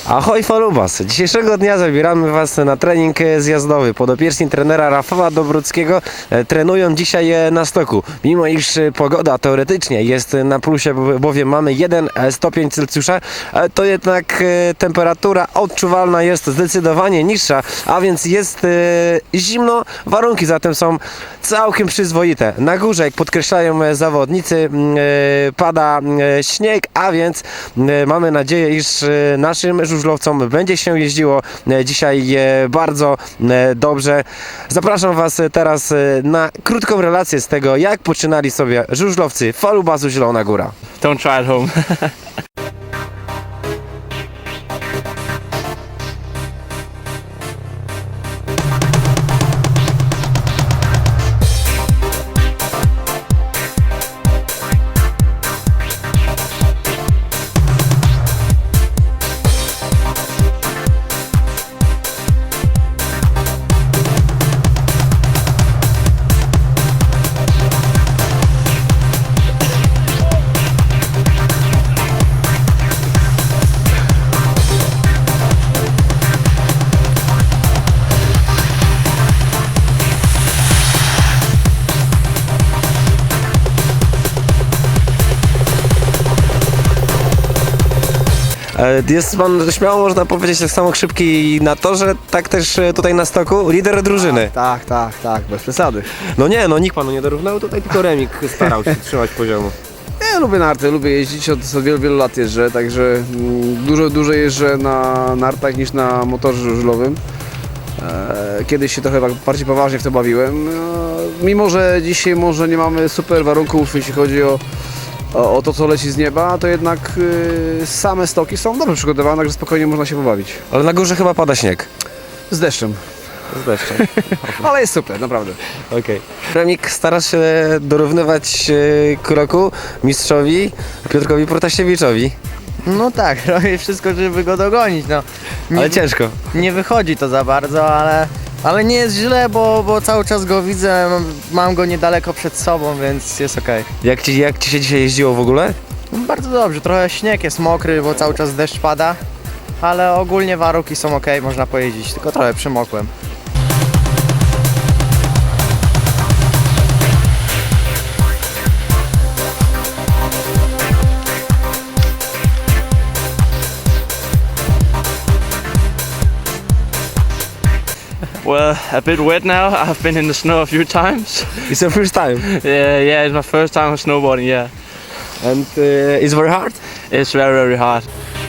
Ahoj Falubas! Dzisiejszego dnia zabieramy Was na trening zjazdowy. Podopieczni trenera Rafała Dobruckiego trenują dzisiaj na stoku. Mimo iż pogoda teoretycznie jest na plusie, bowiem mamy 1 stopień Celsjusza, to jednak temperatura odczuwalna jest zdecydowanie niższa, a więc jest zimno. Warunki zatem są całkiem przyzwoite. Na górze, jak podkreślają zawodnicy, pada śnieg, a więc mamy nadzieję, iż naszym żużlowcom będzie się jeździło dzisiaj bardzo dobrze. Zapraszam Was teraz na krótką relację z tego, jak poczynali sobie żużlowcy Falubasu Zielona Góra. Don't try at home. Jest Pan, śmiało można powiedzieć, tak samo szybki na torze, tak też tutaj na stoku, lider drużyny. Tak, bez przesady. No nie, no nikt Panu nie dorównał, tutaj tylko Remik starał się trzymać poziomu. Ja lubię narty, lubię jeździć, od wielu lat jeżdżę, także dużo jeżdżę na nartach niż na motorze żużlowym. Kiedyś się trochę bardziej poważnie w to bawiłem, mimo że dzisiaj może nie mamy super warunków, jeśli chodzi o to, co leci z nieba, to jednak same stoki są dobrze przygotowane, także spokojnie można się pobawić. Ale na górze chyba pada śnieg. Z deszczem. Z deszczem. Ale jest super, naprawdę. Okej. Remik, starasz się dorównywać kroku mistrzowi Piotrkowi Protasiewiczowi, No tak, robię wszystko, żeby go dogonić, no. ale ciężko. Nie wychodzi to za bardzo, ale nie jest źle, bo cały czas go widzę, mam go niedaleko przed sobą, więc jest okej. Jak Ci się dzisiaj jeździło w ogóle? No, bardzo dobrze, trochę śnieg jest mokry, bo cały czas deszcz pada, ale ogólnie warunki są okej, można pojeździć, tylko trochę przymokłem. Well, a bit wet now. I've been in the snow a few times. It's the first time. Yeah, it's my first time snowboarding. Yeah, And it's very hard? it's very hard.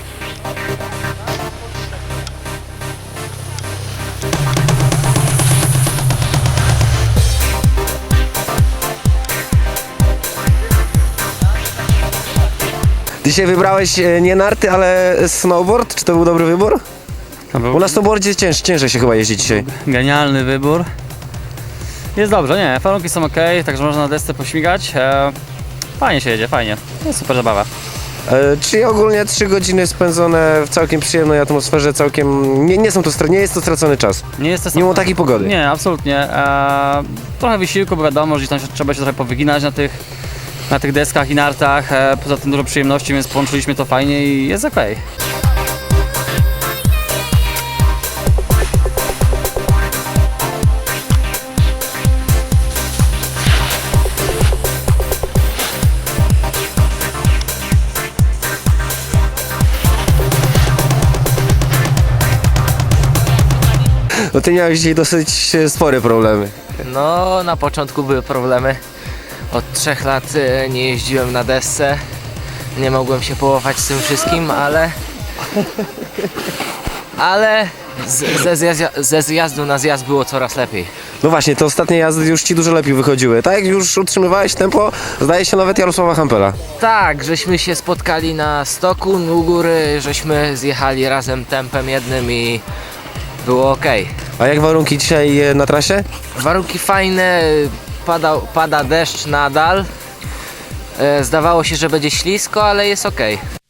Dzisiaj wybrałeś nie narty, ale snowboard. Czy to był dobry wybór? Bo na snowboardzie ciężej się chyba jeździ dzisiaj. Genialny wybór. Jest dobrze, nie, warunki są ok, także można na desce pośmigać. Fajnie się jedzie, fajnie. Jest super zabawa. Czyli ogólnie 3 godziny spędzone w całkiem przyjemnej atmosferze, całkiem... Nie jest to stracony czas. Nie jest to Mimo takiej pogody. Nie, absolutnie. Trochę wysiłku, bo wiadomo, że tam trzeba się trochę powyginać na tych deskach i nartach. Poza tym dużo przyjemności, więc połączyliśmy to fajnie i jest ok. No ty miałeś dzisiaj dosyć spore problemy. No, na początku były problemy. Od 3 lat nie jeździłem na desce. Nie mogłem się połapać z tym wszystkim, ale ze zjazdu na zjazd było coraz lepiej. No właśnie, te ostatnie jazdy już Ci dużo lepiej wychodziły. Tak jak już utrzymywałeś tempo, zdaje się nawet Jarosława Hampela. Tak, żeśmy się spotkali na stoku u góry, żeśmy zjechali razem tempem jednym i było ok. A jak warunki dzisiaj na trasie? Warunki fajne, pada deszcz nadal. Zdawało się, że będzie ślisko, ale jest ok.